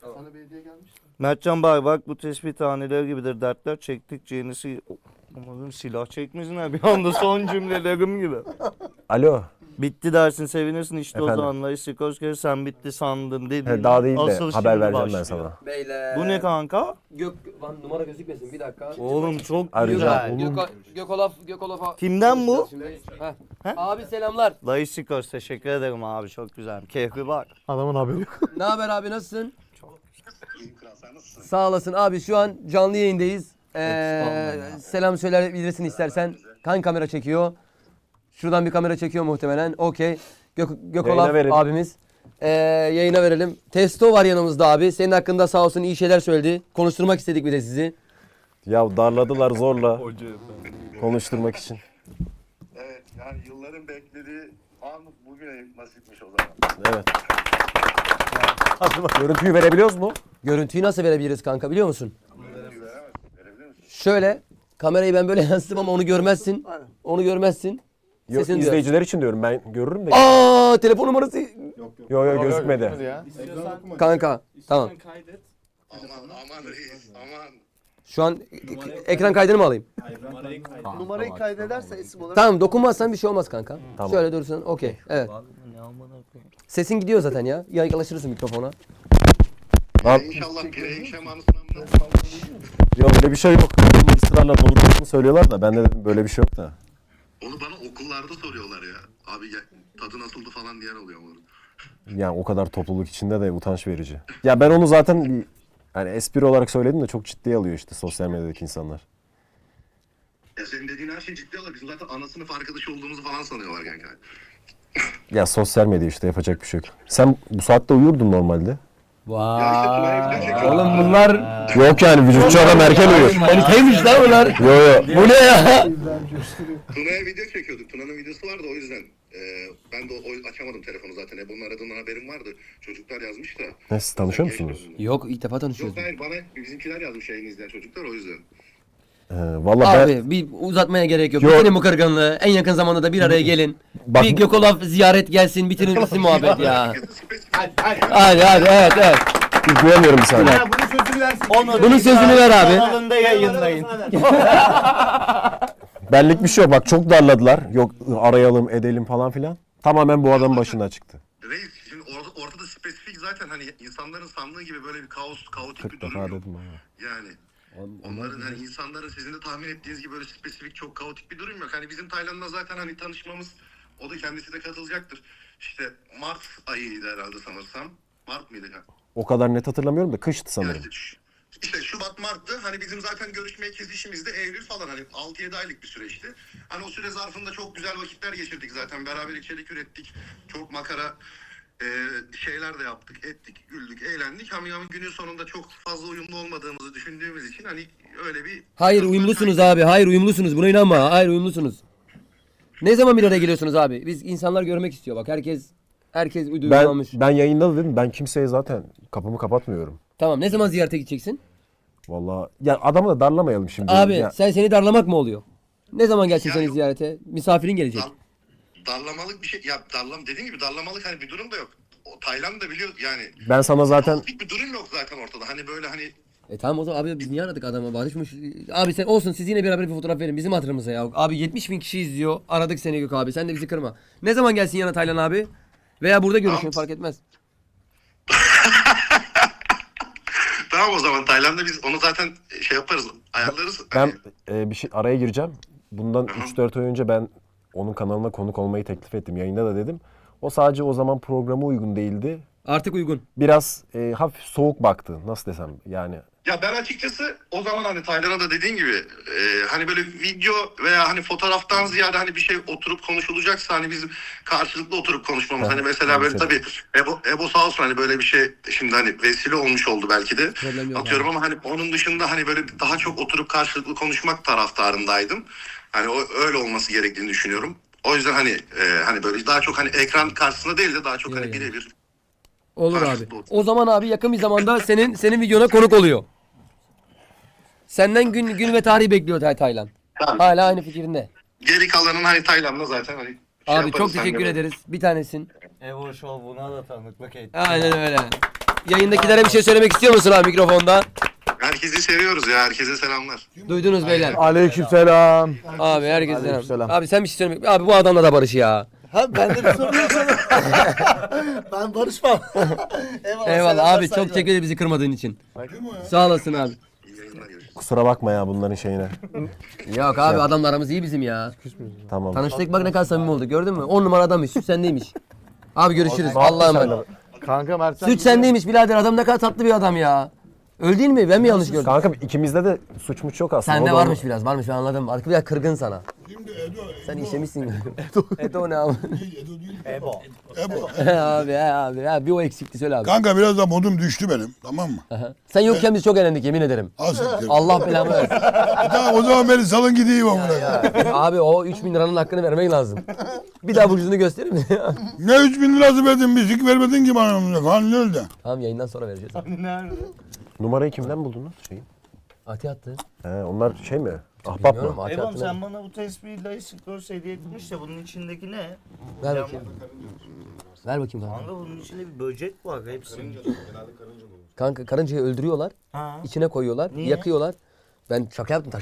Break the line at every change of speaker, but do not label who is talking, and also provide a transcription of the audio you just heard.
Sana bir hediye gelmiş.
Mertcan bak bu tespit haneleri gibidir dertler çektikçe yenisi... Umarım silah çekmesinler bir anda son cümlelerim gibi.
Alo.
Bitti dersin sevinirsin işte
Efendim?
o zamanlar Sikorsky sen bitti sandın dediğin.
Daha değil de
asıl
haber
şimdi
vereceğim ben
başlıyor.
sana.
Beyler.
Bu ne kanka?
Lan numara gözükmesin bir dakika.
Oğlum çok
Arayacağım.
güzel.
Gökolaf.
Kimden bu?
Heh. Abi selamlar.
Dayı Sikors teşekkür ederim abi çok güzel. Keyfi bak.
Adamın haberi yok.
Ne haber abi nasılsın? Sağ olasın abi şu an canlı yayındayız. Selam söyleyebilirsin istersen. Hangi kamera çekiyor? Şuradan bir kamera çekiyor muhtemelen. Okey. Gökolaf
Yayına verelim.
abimiz. Yayına verelim. Testo var yanımızda abi. Senin hakkında sağ olsun iyi şeyler söyledi. Konuşturmak istedik bir de sizi.
Ya darladılar zorla konuşturmak için.
Evet, yani yılların beklediği an bugüne nasipmiş o zaman.
Evet. Görüntüyü verebiliyoruz mu?
Görüntüyü nasıl verebiliriz kanka biliyor musun?
Verebilir misin?
Şöyle kamerayı ben böyle yansıtım ama onu görmezsin. Onu görmezsin.
Yok,
Sesini
izleyiciler için diyorum, ben görürüm de.
Aa telefon numarası.
Yok gözükmedi.
Kanka tamam.
Aman reis, aman.
Şu an ekran kaydını mı alayım?
Numarayı kaydederse isim olarak.
Tamam dokunmazsan bir şey olmaz kanka.
Tamam.
Şöyle dursun okey. Evet. Sesin gidiyor zaten ya. Yaklaşırsın mikrofona.
İnşallah pireyin şemanısından
Yok öyle bir şey yok. Israrla doğrusunu söylüyorlar da ben de dedim böyle bir şey yok da.
Onu bana okullarda soruyorlar ya. Abi tadı nasıldı falan diyen oluyor ama.
Yani o kadar topluluk içinde de utanç verici. Ya ben onu zaten bir, yani espri olarak söyledim de çok ciddiye alıyor işte sosyal medyadaki insanlar.
Ya senin dediğin her şey ciddi alıyor. Bizim zaten ana sınıf arkadaşı olduğumuzu falan sanıyorlar kanka.
Ya sosyal medya işte, yapacak bir şey yok. Sen bu saatte uyurdun normalde.
Ya işte Tuna'ya video çekiyorum.
Oğlum bunlar
Yok yani vücutçu adam erken uyur.
manitaymış lan bunlar.
Yo.
Bu ne ya?
Tuna'ya video çekiyorduk. Tuna'nın videosu vardı o yüzden. Ben de açamadım telefonu zaten. Ebon'un aradığından haberim vardı. Çocuklar yazmış da.
Ne, siz tanışıyor musunuz?
Yok ilk defa tanışıyoruz.
Yok hayır, bana bizimkiler yazmış yayını izleyen çocuklar o yüzden.
Vallahi ben
Abi bir uzatmaya gerek yok.
Yok.
Bitirin bu kırgınlığı. En yakın zamanda da bir araya gelin.
Bak-
Bir Gökolaf ziyaret gelsin. Bitirin bitsin muhabbet ya.
Spesifik.
Hadi evet.
duyamıyorum bir saniye.
Bunun sözünü versin.
Bunun sözünü ver abi.
Kanalında yayınlayın.
Benlik bir şey yok. Bak çok darladılar. Yok arayalım edelim falan filan. Tamamen bu adamın başına çıktı.
Reis şimdi ortada spesifik zaten hani insanların sandığı gibi böyle bir kaotik
40
bir durum
defa
yok.
dedim ama.
Yani onların hani insanların sizin de tahmin ettiğiniz gibi böyle spesifik çok kaotik bir durum yok. Hani bizim Tayland'la zaten hani tanışmamız, o da kendisi de katılacaktır. İşte Mart ayıydı herhalde sanırsam. Mart mıydı?
O kadar net hatırlamıyorum da kıştı sanırım.
Yani işte Şubat, Mart'tı. Hani bizim zaten görüşmeye kesişimiz de Eylül falan, hani 6-7 aylık bir süreçti. Hani o süre zarfında çok güzel vakitler geçirdik zaten. Beraber içerik ürettik. Çok makara şeyler de yaptık, ettik, güldük, eğlendik. Ama günün sonunda çok fazla uyumlu olmadığımızı düşündüğümüz için hani öyle bir...
Hayır uyumlusunuz abi. Hayır uyumlusunuz. Buna inanma. Hayır uyumlusunuz. Ne zaman bir araya geliyorsunuz abi? Biz insanlar görmek istiyor bak. Herkes uyumlanmış.
Ben yayında da dedim, ben kimseye zaten kapımı kapatmıyorum.
Tamam ne zaman ziyarete gideceksin?
Vallahi ya adamı da darlamayalım şimdi.
Abi
Ya,
seni darlamak mı oluyor? Ne zaman gelsin
Ya
seni
yok.
ziyarete? Misafirin gelecek.
Darlamalık bir şey, ya dediğim gibi darlamalık hani bir durum da yok. O Tayland da biliyor yani.
ben sana zaten
Bir durum yok zaten ortada. Hani böyle hani
Tamam o zaman abi biz niye aradık adamı? Barışmış. Abi sen olsun siz yine beraber bir fotoğraf verin bizim hatırımıza ya. Abi 70.000 kişi izliyor. Aradık seni Gök abi. Sen de bizi kırma. Ne zaman gelsin yana Taylan abi? Veya burada görüşün fark etmez.
tamam o zaman Tayland'da biz onu zaten şey yaparız, ayarlarız.
ben bir şey araya gireceğim. Bundan 3-4 ay önce ben onun kanalına konuk olmayı teklif ettim. Yayında da dedim. O sadece o zaman programa uygun değildi.
Artık uygun.
Biraz hafif soğuk baktı. Nasıl desem yani.
Ya ben açıkçası o zaman hani Tayland'a da dediğin gibi hani böyle video veya hani fotoğraftan ziyade hani bir şey oturup konuşulacaksa hani bizim karşılıklı oturup konuşmamız. Hani mesela böyle tabii Ebo sağ olsun hani böyle bir şey şimdi hani vesile olmuş oldu belki de.
Problem yok
Atıyorum ama hani onun dışında hani böyle daha çok oturup karşılıklı konuşmak taraftarındaydım. Hani öyle olması gerektiğini düşünüyorum. O yüzden hani böyle daha çok hani ekran karşısında değil de daha çok hani birebir.
Olur abi.
Karşılıklı otur.
O zaman abi yakın bir zamanda senin videona konuk oluyor. Senden gün ve tarih bekliyor Taylan.
Tamam.
Hala aynı fikrinde.
Geri kalanın hani Tayland'da zaten hani
Abi çok teşekkür ederiz. Bir tanesin.
Evo Show buna da tanıklık etti.
Aynen öyle. Yayındakilere bir şey söylemek istiyor musun abi mikrofonda?
Herkesi seviyoruz ya. Herkese selamlar.
Duydunuz beyler.
Aleykümselam.
Abi herkese selam.
Aleykümselam.
Abi sen bir şey söylemek. Abi bu adamla da barış ya.
Ha ben de bir sorun yok sana. Ben barışmam. Eyvallah.
Eyvallah
selamlar,
abi çok
saygılar.
teşekkür ederim bizi kırmadığın için. Sağ olasın abi.
İyi yayınlar, görüşürüz.
Kusura bakma ya bunların şeyine.
Yok abi adamla aramız iyi bizim ya.
Tamam.
Tanıştık bak ne kadar samimi olduk gördün mü? 10 numara adammış. Süt sendeymiş. Abi görüşürüz. Allah'a emanet.
Kanka Mert
Süt sendeymiş birader adam ne kadar tatlı bir adam ya. Öyle değil mi? Ben mi yanlış gördüm?
Kanka ikimizde de suçmuş yok aslında.
Sende
O da
varmış biraz varmış ben anladım. Artık biraz kırgın sana.
Şimdi Edo.
Sen işemişsin. Edo ne abi?
Edo değil.
Ebo.
Ebo.
abi bir o eksikti söyle abi.
Kanka biraz da modum düştü benim. Tamam mı?
Sen yokken biz çok eğlendik yemin ederim.
Al siktir.
Allah belamı versin.
Tamam o zaman beni salın gideyim amına.
Abi o 3000 liranın hakkını vermek lazım. Bir daha burcunu gösterir mi?
Ne 3000 lirası verdin bir vermedin ki bana amına. Kan ne öldü?
Tamam yayından sonra vereceğiz.
Nerede?
Numarayı kimden buldunuz? Şeyi?
Ati attı.
He, onlar şey mi? Ahbap
Bilmiyorum,
mı?
Ati
Ebam
attı.
sen bana bu tespihi Layık Girls hediye etmiş de bunun içindeki ne?
Ver bakayım. Ver bakayım kanka.
Kanka bunun içinde bir böcek var hepsi.
Kanka karıncayı öldürüyorlar.
Ha.
İçine koyuyorlar.
Niye?
Yakıyorlar. Ben şaka yaptım.